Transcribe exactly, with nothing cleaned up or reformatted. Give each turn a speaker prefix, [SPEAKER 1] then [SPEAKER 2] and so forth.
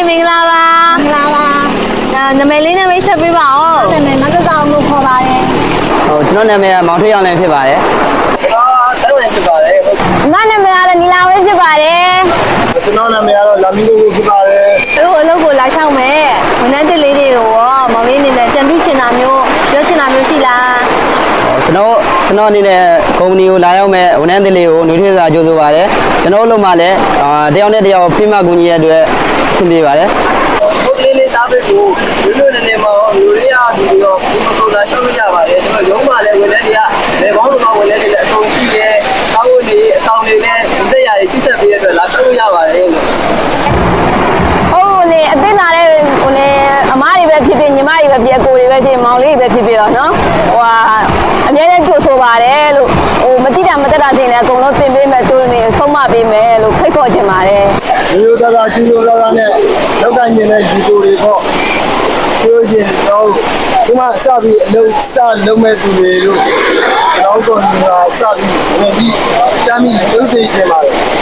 [SPEAKER 1] မင်္ဂလာပါမင်္ဂလာပါနာမည်လေးနဲ့မိတ်ဆက်ပေးပါဦးနာမည်မကဆောင်လို့ခေါ်ပါတယ်ဟိုကျွန်တော်နာမည်ကမောင်ထွေးအောင်လည်းဖြစ်ပါတယ်
[SPEAKER 2] အာတန်းဝင်ဖြစ်ပါတယ်
[SPEAKER 1] ငါနာမည်ကတော့နီလာဝဲဖြစ်ပါတယ်
[SPEAKER 2] ကျွန်တော်နာမည်ကတော့လာမီလိုဖြစ်ပါတယ်
[SPEAKER 1] တို့အလုပ်ကိုလာရှောက်မယ်ဝန်ထမ်းတစ်လေးတွေကိုရောမောင်လေးအနေနဲ့ကြံပြချင်တာမျိုးပြောချင်တာမျိုးရှိလား
[SPEAKER 3] ကျွန်တော်ကျွန်တော်အနေနဲ့ကုမ္ပဏီကိုလာရောက်မဲ့ဝန်ထမ်းတွေလေးကိုနှွေးထွေးစွာကြိုဆိုပါတယ်ကျွန်တော်တို့မှလည်းတယောက်နဲ့တယောက်ဖိမကူညီရတဲ့အတွက်ဆင်ပြေပါတယ်
[SPEAKER 2] ဟုတ်လေးလေးစားပေးဖို့လူလူနေနေမှာလူလေးအားဒီတော့ဒီမဆိုတာရှောက်လို့ရပါတယ်ကျွန်တော်ရုံးမှာလည်းဝန်ထမ်းတွေကလေဘောင်းတို့ကဝန်ထမ်းတွေလည်းအကုန်ရှိတယ်တောင်းနေအဆောင်တွေလည်းစက်ရည်ပြည့်စက်ပေးရတဲ့အတွက်လာရှောက်လို့ရပါတယ်လို့
[SPEAKER 1] ဟုတ်လေအသိလာတဲ့ဟိုလေအမားတွေပဲဖြစ်ဖြစ်ညီမတွေပဲဖြစ်အကိုတွေပဲဖြစ်မောင်လေးတွေပဲဖြစ်ဖြစ်တော့နော်ဟိုဟာအများနဲ့ကြိုဆိုပါတယ်လို့ဟိုမတိတာမတက်တာတင်လည်းအကုန်လုံးသင်ပေးမယ်သူတို့နေဆုံးမပေးမယ်လို့ဖိတ်ခေါ်ချင်ပါတယ်
[SPEAKER 2] ရိုးသားသားကျူးရိုးသားသားနဲ့လောက်ကညင်တဲ့ဒီကိုတွေပေါ့ပြောရှင်တော့ဒီမှာစပြီးအလုံးစလုံးမဲ့သူတွေလို့ကျွန်တော်တို့ကစပြီးဝင်ပြီးစမ်းပြီးလုပ်သိချင်ပါတယ်